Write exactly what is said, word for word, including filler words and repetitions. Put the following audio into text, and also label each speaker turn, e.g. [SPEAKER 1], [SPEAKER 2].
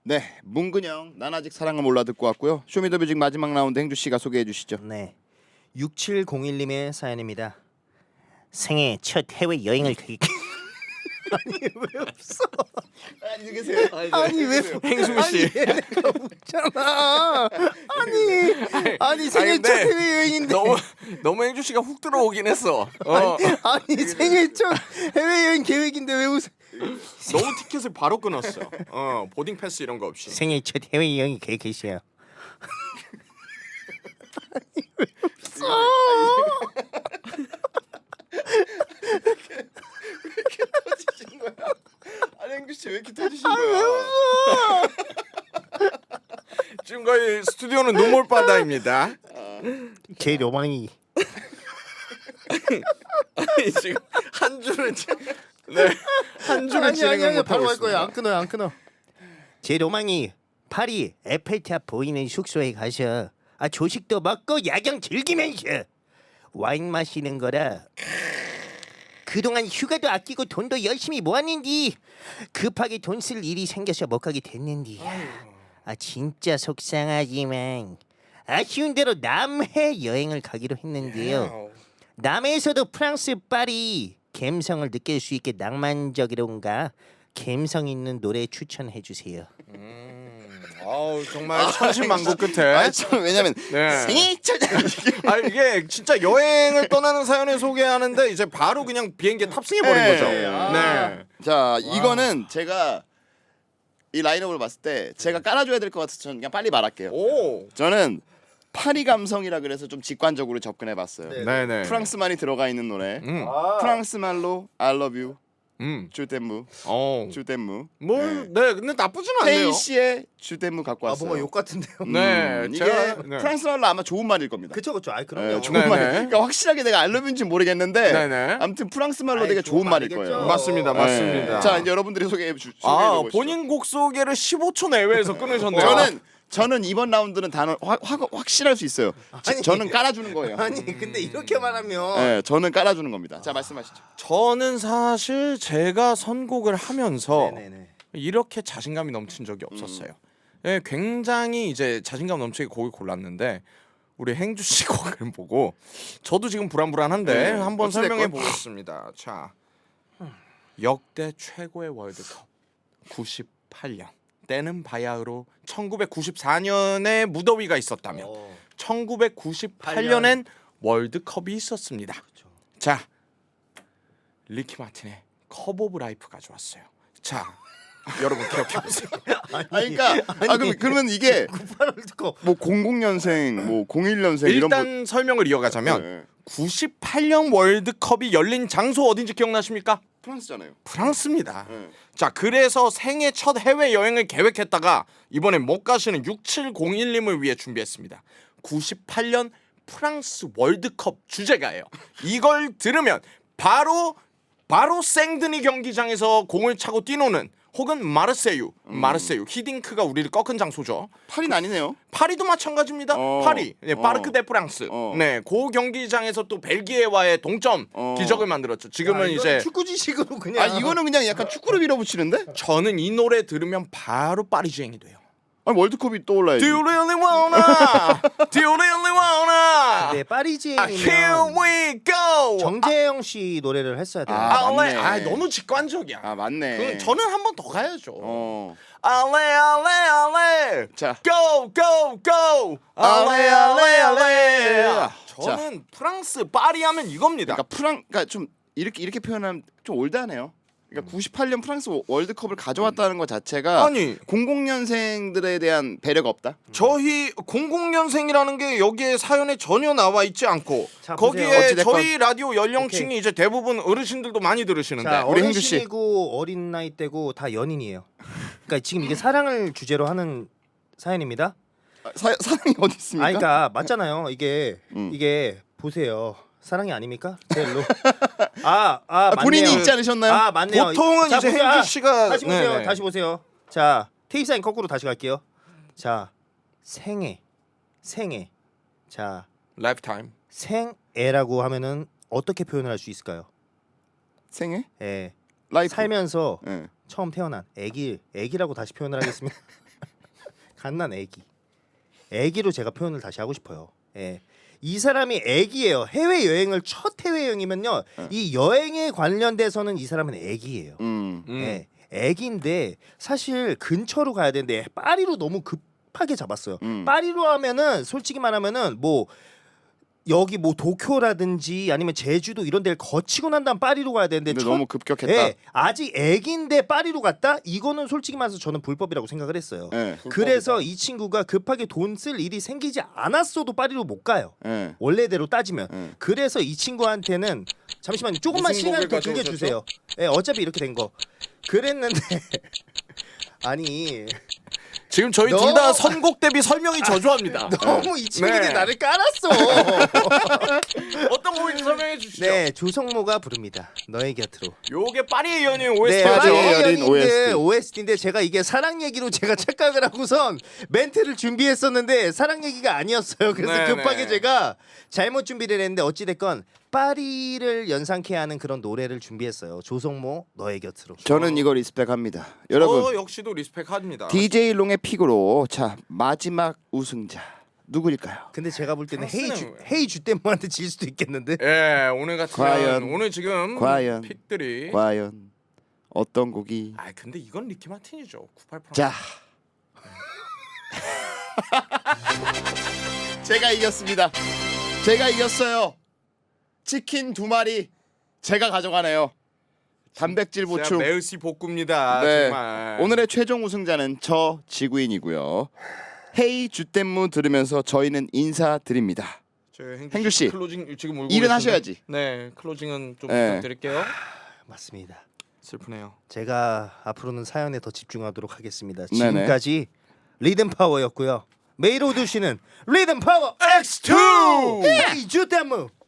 [SPEAKER 1] 네, 문근영 난 아직 사랑을 몰라 듣고 왔고요. 쇼미더뮤직 마지막 라운드 행주 씨가 소개해 주시죠.
[SPEAKER 2] 네, 육칠공일님의 사연입니다. 생애 첫 해외 여행을 가기. 아니 왜 없어?
[SPEAKER 1] 안녕히 계세요.
[SPEAKER 2] 아니 왜
[SPEAKER 3] 행수 씨.
[SPEAKER 2] 내가 웃잖아. 아니 아니 생애
[SPEAKER 3] 아니,
[SPEAKER 2] 첫
[SPEAKER 3] 근데
[SPEAKER 2] 해외 여행인데.
[SPEAKER 3] 너무 너무 행주 씨가 훅 들어오긴 했어. 어.
[SPEAKER 2] 아니 생애 첫 해외 여행 계획인데 왜 웃어?
[SPEAKER 3] 너무 티켓을 바로 끊었어. 어, 보딩 패스 이런 거 없이.
[SPEAKER 2] 생애 첫 해외 여행이 계획이세요. 아니 왜 웃어?
[SPEAKER 1] 터지신 거야? 아니 행주 씨 왜 이렇게 터지신 거야?
[SPEAKER 2] 왜 웃어?
[SPEAKER 3] 지금 거의 스튜디오는 눈물 바다입니다.
[SPEAKER 2] 제 로망이.
[SPEAKER 3] 아니, 지금 한 줄을 지- 네, 한 줄을
[SPEAKER 2] 아니 아니
[SPEAKER 3] 진행을
[SPEAKER 2] 아니
[SPEAKER 3] 못
[SPEAKER 2] 바로
[SPEAKER 3] 하고
[SPEAKER 2] 갈 거예요.
[SPEAKER 3] 있습니다.
[SPEAKER 2] 안 끊어요 안 끊어. 제 로망이 파리 에펠탑 보이는 숙소에 가서 아 조식도 먹고 야경 즐기면서 와인 마시는 거라. 그동안 휴가도 아끼고 돈도 열심히 모았는데 급하게 돈 쓸 일이 생겨서 못 가게 됐는데 아 진짜 속상하지만 아쉬운 대로 남해 여행을 가기로 했는데요. 남해에서도 프랑스 파리 감성을 느낄 수 있게 낭만적이론가 감성 있는 노래 추천해 주세요.
[SPEAKER 3] 아우 정말 천신만고 끝에.
[SPEAKER 1] 아니 참 왜냐면
[SPEAKER 3] 네.
[SPEAKER 1] 생애 첫
[SPEAKER 3] 아 이게 진짜 여행을 떠나는 사연을 소개하는데 이제 바로 그냥 비행기에 탑승해 버린
[SPEAKER 1] 네.
[SPEAKER 3] 거죠.
[SPEAKER 1] 아.
[SPEAKER 3] 네.
[SPEAKER 1] 자 이거는 제가 이 라인업을 봤을 때 제가 깔아줘야 될 것 같아서 저는 그냥 빨리 말할게요.
[SPEAKER 3] 오.
[SPEAKER 1] 저는 파리 감성이라 그래서 좀 직관적으로 접근해봤어요.
[SPEAKER 2] 네.
[SPEAKER 3] 네네.
[SPEAKER 1] 프랑스말이 들어가 있는 노래.
[SPEAKER 3] 음.
[SPEAKER 1] 프랑스 말로 I love you,
[SPEAKER 3] 음.
[SPEAKER 1] 주댐무,
[SPEAKER 3] 어.
[SPEAKER 1] 주댐무.
[SPEAKER 3] 뭐,
[SPEAKER 1] 네.
[SPEAKER 3] 네, 근데 나쁘진 않네요.
[SPEAKER 1] 헤이 씨의 주댐무 갖고
[SPEAKER 2] 아
[SPEAKER 1] 왔어요.
[SPEAKER 2] 뭔가 욕 같은데요.
[SPEAKER 1] 음,
[SPEAKER 3] 네,
[SPEAKER 1] 이게
[SPEAKER 3] 제가- 네.
[SPEAKER 1] 프랑스 말로 아마 좋은 말일 겁니다.
[SPEAKER 2] 그쵸 그쵸. 아
[SPEAKER 1] 네,
[SPEAKER 2] 그럼요.
[SPEAKER 1] 좋은
[SPEAKER 3] 네네.
[SPEAKER 1] 말. 그러니까 확실하게 내가 알러뷰인지 모르겠는데
[SPEAKER 3] 네네.
[SPEAKER 1] 아무튼 프랑스 말로
[SPEAKER 2] 아이,
[SPEAKER 1] 되게
[SPEAKER 2] 좋은
[SPEAKER 1] 좋은 말일
[SPEAKER 2] 말이겠죠.
[SPEAKER 1] 거예요.
[SPEAKER 3] 맞습니다,
[SPEAKER 1] 네.
[SPEAKER 3] 맞습니다.
[SPEAKER 1] 자 이제 여러분들이 소개해 주.
[SPEAKER 3] 아,
[SPEAKER 1] 소개해 보시죠.
[SPEAKER 3] 본인 곡 소개를 십오 초 내외에서 끊으셨네요.
[SPEAKER 1] 저는 저는 이번 라운드는 단어 확, 확 확실할 수 있어요. 지-
[SPEAKER 2] 아니.
[SPEAKER 1] 저는 깔아주는 거예요.
[SPEAKER 2] 아니 근데 이렇게 말하면
[SPEAKER 1] 네, 저는 깔아주는 겁니다. 자 말씀하시죠.
[SPEAKER 3] 저는 사실 제가 선곡을 하면서
[SPEAKER 2] 네네네.
[SPEAKER 3] 이렇게 자신감이 넘친 적이 없었어요. 예, 굉장히 이제 자신감 넘치게 곡을 골랐는데 우리 행주 씨 곡을 보고 저도 지금 불안불안한데
[SPEAKER 1] 네,
[SPEAKER 3] 한번
[SPEAKER 1] 어찌됐건.
[SPEAKER 3] 설명해 보겠습니다. 자, 역대 최고의 월드컵 구십팔 년 때는 바야흐로 천구백구십사 년에 무더위가 있었다면
[SPEAKER 2] 어.
[SPEAKER 3] 천구백구십팔 년엔 월드컵이 있었습니다. 자, 리키 마틴의 컵 오브 라이프 가져왔어요. 자, 여러분 기억해 보세요.
[SPEAKER 1] 아 그러니까 아 그럼 그러면 이게
[SPEAKER 2] 월드컵.
[SPEAKER 1] 뭐 공공 년생, 뭐 공일 년생 이런
[SPEAKER 3] 일단 설명을 이어가자면
[SPEAKER 1] 네.
[SPEAKER 3] 구십팔 년 월드컵이 열린 장소 어딘지 기억나십니까?
[SPEAKER 1] 프랑스잖아요.
[SPEAKER 3] 프랑스입니다.
[SPEAKER 1] 네.
[SPEAKER 3] 자, 그래서 생애 첫 해외 여행을 계획했다가 이번엔 못 가시는 육칠공일 님을 위해 준비했습니다. 구십팔 년 프랑스 월드컵 주제가예요. 이걸 들으면 바로 바로 생드니 경기장에서 공을 차고 뛰노는 혹은 마르세유, 마르세유 히딩크가 우리를 꺾은 장소죠.
[SPEAKER 1] 파리는 아니네요.
[SPEAKER 3] 파리도 마찬가지입니다.
[SPEAKER 1] 어.
[SPEAKER 3] 파리, 네,
[SPEAKER 1] 어.
[SPEAKER 3] 파르크 데 프랑스.
[SPEAKER 1] 어.
[SPEAKER 3] 네, 그 경기장에서 또 벨기에와의 동점
[SPEAKER 1] 어.
[SPEAKER 3] 기적을 만들었죠. 지금은
[SPEAKER 2] 아, 이건
[SPEAKER 3] 이제
[SPEAKER 2] 축구 지식으로 그냥.
[SPEAKER 1] 아 이거는 그냥 약간 축구를 밀어붙이는데?
[SPEAKER 3] 저는 이 노래 들으면 바로 파리주행이 돼요.
[SPEAKER 1] 아니 월드컵이 떠올라야지.
[SPEAKER 3] Do you really wanna? Do you really wanna?
[SPEAKER 2] 네
[SPEAKER 3] 아,
[SPEAKER 2] 파리지행이면
[SPEAKER 3] here we go.
[SPEAKER 2] 정재영 씨 노래를 했어야 돼요.
[SPEAKER 1] 아,
[SPEAKER 3] 아,
[SPEAKER 1] 맞네.
[SPEAKER 3] 아, 너무 직관적이야.
[SPEAKER 1] 아 맞네.
[SPEAKER 3] 그 저는 한 번 더 가야죠.
[SPEAKER 1] 어.
[SPEAKER 3] 알레 알레 알레.
[SPEAKER 1] 자.
[SPEAKER 3] Go go go. 알레 알레 알레. 저는 프랑스 파리 하면 이겁니다.
[SPEAKER 1] 그러니까 프랑 그러니까 좀 이렇게 이렇게 표현하면 좀 올드하네요. 그러니까 구십팔 년 프랑스 월드컵을 가져왔다는 것 자체가
[SPEAKER 3] 아니
[SPEAKER 1] 공공 년생들에 대한 배려가 없다.
[SPEAKER 3] 저희 공공 년생이라는 게 여기에 사연에 전혀 나와 있지 않고
[SPEAKER 2] 자, 보세요.
[SPEAKER 3] 거기에
[SPEAKER 1] 어찌됐건.
[SPEAKER 3] 저희 라디오 연령층이 이제 대부분 어르신들도 많이 들으시는데
[SPEAKER 2] 자,
[SPEAKER 1] 우리 행주 씨.
[SPEAKER 2] 어르신이고 어린 나이 때고 다 연인이에요. 그러니까 지금 이게 사랑을 주제로 하는 사연입니다.
[SPEAKER 1] 아, 사, 사랑이 어디 있습니까?
[SPEAKER 2] 아, 그러니까 맞잖아요. 이게
[SPEAKER 1] 음.
[SPEAKER 2] 이게 보세요. 사랑이 아닙니까? 제일로. 아, 아,
[SPEAKER 1] 아, 본인이
[SPEAKER 2] 맞네요.
[SPEAKER 1] 있지 않으셨나요?
[SPEAKER 2] 아, 맞네요.
[SPEAKER 3] 보통은
[SPEAKER 2] 자,
[SPEAKER 3] 이제
[SPEAKER 2] 보세요.
[SPEAKER 3] 행주
[SPEAKER 2] 아,
[SPEAKER 3] 씨가
[SPEAKER 2] 다시 보세요.
[SPEAKER 3] 네네.
[SPEAKER 2] 다시 보세요. 자, 테이프 사인 거꾸로 다시 갈게요. 자, 생애. 생애. 자,
[SPEAKER 3] 라이프타임.
[SPEAKER 2] 생애라고 하면은 어떻게 표현을 할 수 있을까요?
[SPEAKER 1] 생애?
[SPEAKER 2] 예.
[SPEAKER 1] 라이프.
[SPEAKER 2] 살면서
[SPEAKER 1] 예.
[SPEAKER 2] 처음 태어난 애기 애기라고 다시 표현을 하겠습니다. 갓난 애기 애기로 제가 표현을 다시 하고 싶어요. 예. 이 사람이 애기예요. 해외 여행을 첫 해외 여행이면요.
[SPEAKER 1] 네.
[SPEAKER 2] 이 여행에 관련돼서는 이 사람은 애기예요.
[SPEAKER 1] 음.
[SPEAKER 3] 음.
[SPEAKER 2] 예. 애기인데 사실 근처로 가야 되는데 파리로 너무 급하게 잡았어요.
[SPEAKER 1] 음.
[SPEAKER 2] 파리로 하면은 솔직히 말하면은 뭐 여기 뭐 도쿄라든지 아니면 제주도 이런 데를 거치고 난 다음 파리로 가야 되는데
[SPEAKER 1] 근데
[SPEAKER 2] 첫-
[SPEAKER 1] 너무 급격했다.
[SPEAKER 2] 예, 아직 애기인데 파리로 갔다? 이거는 솔직히 말해서 저는 불법이라고 생각을 했어요.
[SPEAKER 1] 예.
[SPEAKER 2] 그래서 이 친구가 급하게 돈 쓸 일이 생기지 않았어도 파리로 못 가요.
[SPEAKER 1] 예.
[SPEAKER 2] 원래대로 따지면.
[SPEAKER 1] 예.
[SPEAKER 2] 그래서 이 친구한테는 잠시만 조금만
[SPEAKER 3] 무슨
[SPEAKER 2] 시간을 더
[SPEAKER 3] 곡을
[SPEAKER 2] 들게
[SPEAKER 3] 가져오셨죠?
[SPEAKER 2] 주세요. 예, 어차피 이렇게 된 거. 그랬는데 아니
[SPEAKER 3] 지금 저희
[SPEAKER 2] 너-
[SPEAKER 3] 둘 다 선곡 대비 설명이 저조합니다.
[SPEAKER 2] 너무 이 친구들이
[SPEAKER 3] 네.
[SPEAKER 2] 나를 깔았어.
[SPEAKER 3] 어떤 곡인지 설명해 주시죠.
[SPEAKER 2] 네, 조성모가 부릅니다. 너의 곁으로.
[SPEAKER 3] 요게 파리의 연인
[SPEAKER 2] 네,
[SPEAKER 3] 오에스티죠.
[SPEAKER 1] 파리의
[SPEAKER 2] 파리의
[SPEAKER 1] 연인 오에스티.
[SPEAKER 2] 오에스티인데 제가 이게 사랑 얘기로 제가 착각을 하고선 멘트를 준비했었는데 사랑 얘기가 아니었어요. 그래서
[SPEAKER 3] 네네.
[SPEAKER 2] 급하게 제가 잘못 준비를 했는데 어찌 됐건 파리를 연상케 하는 그런 노래를 준비했어요. 조성모 너의 곁으로.
[SPEAKER 1] 저는 이거 리스펙합니다. 여러분
[SPEAKER 3] 저 역시도 리스펙합니다.
[SPEAKER 1] 디제이 롱의 픽으로 자 마지막 우승자 누구일까요?
[SPEAKER 2] 근데 제가 볼 때는 헤이
[SPEAKER 3] 프랑스는
[SPEAKER 2] 주
[SPEAKER 3] 왜?
[SPEAKER 2] 헤이 주댐모한테 질 수도 있겠는데.
[SPEAKER 3] 예, 오늘 같으면
[SPEAKER 1] 과연,
[SPEAKER 3] 오늘 지금
[SPEAKER 1] 과연,
[SPEAKER 3] 픽들이
[SPEAKER 1] 과연 어떤 곡이
[SPEAKER 3] 아 근데 이건 리키 마틴이죠. 구십팔 프랑스.
[SPEAKER 1] 자 제가 이겼습니다. 제가 이겼어요. 치킨 두 마리 제가 가져가네요. 단백질
[SPEAKER 3] 진짜
[SPEAKER 1] 보충.
[SPEAKER 3] 메르시 복구입니다.
[SPEAKER 1] 네.
[SPEAKER 3] 정말.
[SPEAKER 1] 오늘의 최종 우승자는 저 지구인이고요. 헤이 주댐무 들으면서 저희는 인사드립니다.
[SPEAKER 3] 저 행주,
[SPEAKER 1] 행주 씨,
[SPEAKER 3] 클로징 지금 울고
[SPEAKER 1] 일은
[SPEAKER 3] 계신데?
[SPEAKER 1] 하셔야지.
[SPEAKER 3] 네, 클로징은 좀
[SPEAKER 1] 네.
[SPEAKER 3] 부탁드릴게요.
[SPEAKER 2] 맞습니다.
[SPEAKER 3] 슬프네요.
[SPEAKER 2] 제가 앞으로는 사연에 더 집중하도록 하겠습니다.
[SPEAKER 1] 네네.
[SPEAKER 2] 지금까지 리듬 파워였고요. 메이로드 씨는 리듬 파워
[SPEAKER 3] 엑스 투
[SPEAKER 2] 헤이 주댐모.